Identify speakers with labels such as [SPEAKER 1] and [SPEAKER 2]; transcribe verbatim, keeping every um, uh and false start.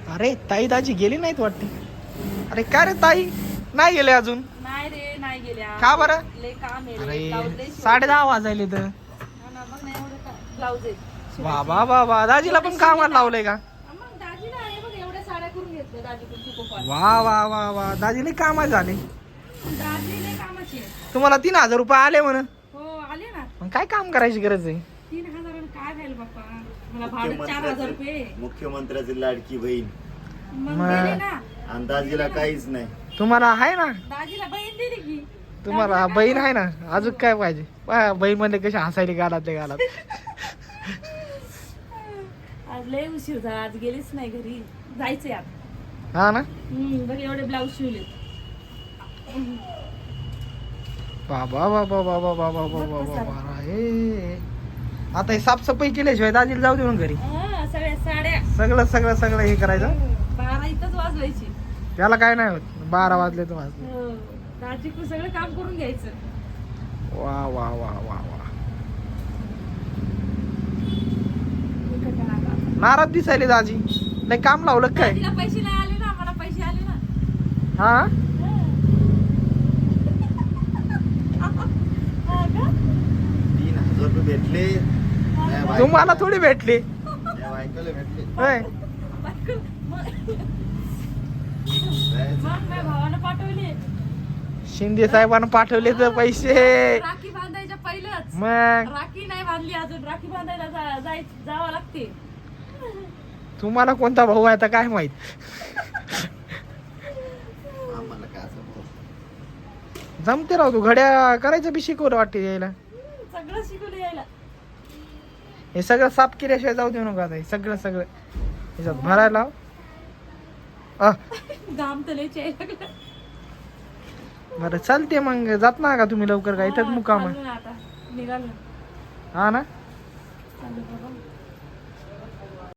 [SPEAKER 1] अरे ताई दाजी गेली नाहीत वाटते. अरे काय रे ताई नाही गेले अजून.
[SPEAKER 2] नाही रे नाही गेल्या.
[SPEAKER 1] का बरं?
[SPEAKER 2] लय काम आहे रे.
[SPEAKER 1] अरे
[SPEAKER 2] ब्लाऊज लय शिवायचे.
[SPEAKER 1] साडे दहा वाजायले तर.
[SPEAKER 2] हा ना, मग नाही एवढं का ब्लाऊज आहे शिवायचे.
[SPEAKER 1] वा वा वा वा दाजीला पण कामाला लावलंय का?
[SPEAKER 2] हा, मग दाजीला आहे बघ एवढ्या साड्या करून घेतल्या दाजीकडून पिको
[SPEAKER 1] वा वा वा वा दाजीला कामाला झाले.
[SPEAKER 2] दाजी लय कामाची आहे.
[SPEAKER 1] तुम्हाला तीन हजार रुपये आले म्हण.
[SPEAKER 2] हो आले ना.
[SPEAKER 1] मग काय काम करायची गरज आहे?
[SPEAKER 2] तीन हजारानं काय व्हायला बाप्पा. मला भाडं चार हजार रुपये.
[SPEAKER 3] मुख्यमंत्र्याची लाडकी बहीण
[SPEAKER 2] मग
[SPEAKER 1] मग-
[SPEAKER 2] दिले ना.
[SPEAKER 3] अंदाजीला काहीच नाही.
[SPEAKER 1] तुम्हाला आहे ना?
[SPEAKER 2] दाजीला बहीण दिली की.
[SPEAKER 1] तुम्हाला बहीण आहे ना? अजून काय पाहिजे? पहा, बहीण मध्ये कशी हसायली गालात ते गालात.
[SPEAKER 2] आज लय उशीर झाला. आज गेलीच नाही घरी. जायचंय आता.
[SPEAKER 1] हा ना?
[SPEAKER 2] हम्म बघ एवढे ब्लाऊज शिवले.
[SPEAKER 1] बाबा बाबा बाबा बाबा बाबा बाबा हे आता हे साफसफाई केल्याशिवाय दाजीला जाऊ देऊन घरी.
[SPEAKER 2] हा, सगळ्या साड्या
[SPEAKER 1] सगळं सगळं सगळं हे करायचं.
[SPEAKER 2] बारा इथंच वाजवायची.
[SPEAKER 1] त्याला काय नाही होत. बारा वाजले तर वाजले.
[SPEAKER 2] हो. दाजीकडून सगळं काम करून घ्यायचं.
[SPEAKER 1] वा वा वा वा वा नाराज दिसायले दाजी. नाही काम लावलं काय?
[SPEAKER 2] दाजीला पैसे नाही आले ना. मला पैसे आले ना.
[SPEAKER 1] हा
[SPEAKER 2] हा का?
[SPEAKER 3] तीन हजार रुपये भेटले. माझ्या बायको-
[SPEAKER 1] तुम्हाला थोडी भेटली
[SPEAKER 3] माझ्या बायकोला भेटले.
[SPEAKER 1] होय.
[SPEAKER 2] मग
[SPEAKER 3] जायचं.
[SPEAKER 2] मग माझ्या भावानं पाठवले.
[SPEAKER 1] शिंदे साहेबांना पाठवले तर पैसे.
[SPEAKER 2] राखी बांधायच्या पहिलंच.
[SPEAKER 1] मग
[SPEAKER 2] राखी नाही बांधली अजून. राखी बांधायला जा- जाय जावं लागते.
[SPEAKER 1] तुम्हाला कोणता भाऊ आहे आता काय माहित.
[SPEAKER 3] आम्हाला काय असं भाऊ.
[SPEAKER 1] जमते राव तू घड्या करायचं बी शिकवलं वाटते यायला.
[SPEAKER 2] सगळं शिकवलं यायला.
[SPEAKER 1] हे सगळं साफ केल्याशिवाय जाऊ देऊ नका आता. हे सगळं सगळं ह्याच्यात भरायला लाव. अ,
[SPEAKER 2] घाम तर लय यायला लागला.
[SPEAKER 1] बरं चालते मग जात ना का तुम्ही लवकर का इथंच
[SPEAKER 2] हा,
[SPEAKER 1] मुकाम आहे.
[SPEAKER 2] चाललो ना आता. निघालो.
[SPEAKER 1] हा ना
[SPEAKER 2] चाललो बाबा.